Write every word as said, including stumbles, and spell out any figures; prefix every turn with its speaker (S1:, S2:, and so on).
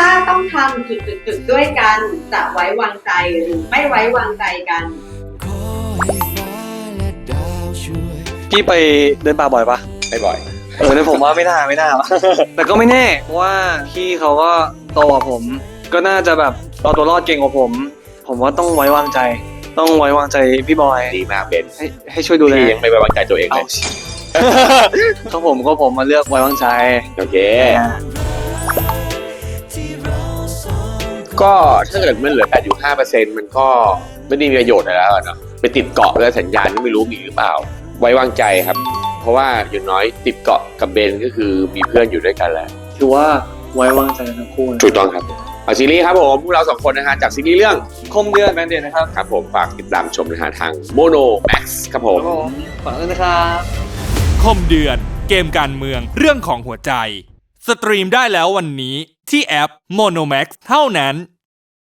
S1: ถ้าต้องทำจุดๆๆด้วยกันจะไว้วางใจหรือไม่ไว้วางใจกัน
S2: พี่ไปเดินป่าบ่อยปะ
S3: ไม่บ่อย
S2: เออแต่ผมว่าไม่น่าไม่น่า แต่ก็ไม่แน่เพราะว่าพี่เขาก็โตกว่าผม ก็น่าจะแบบเอาตัวรอดเก่งกว่าผม ผมว่าต้องไว้วางใจ ต้องไว้วางใจพี่บอย
S3: ดีมากเบน
S2: ให้ให้ช่วยดูแล
S3: พี่ยังไม่ไว้วางใจตัวเองเลย
S2: เขาผมก็ผมมาเลือกไว้วางใจ
S3: โอเคก็ถ้าเกิดมันเหลือ แปดจุดห้าเปอร์เซ็นต์ มันก็ไม่ได้มีประโยชน์อะไรแล้วเนาะไปติดเกาะแล้วสัญญาณไม่รู้มีหรือเปล่าไว้วางใจครับเพราะว่าอย่างน้อยติดเกาะกับเบนก็คือมีเพื่อนอยู่ด้วยกันแล้ว
S2: คือว่าไว้วางใจทั้งคู่
S3: ถูกต้องครับเอาซีรีส์ครับผมพวกเราสองคนนะฮะจากซีรีส์เรื่อง
S2: คมเดือนแบนเดนนะครับ
S3: ครับผมฝากติดตามชมนะฮะทาง Mono Max ครับผม
S2: ฝากด้วยนะครับ
S4: คมเดือนเกมการเมืองเรื่องของหัวใจสตรีมได้แล้ววันนี้ที่แอป Mono Max เท่านั้น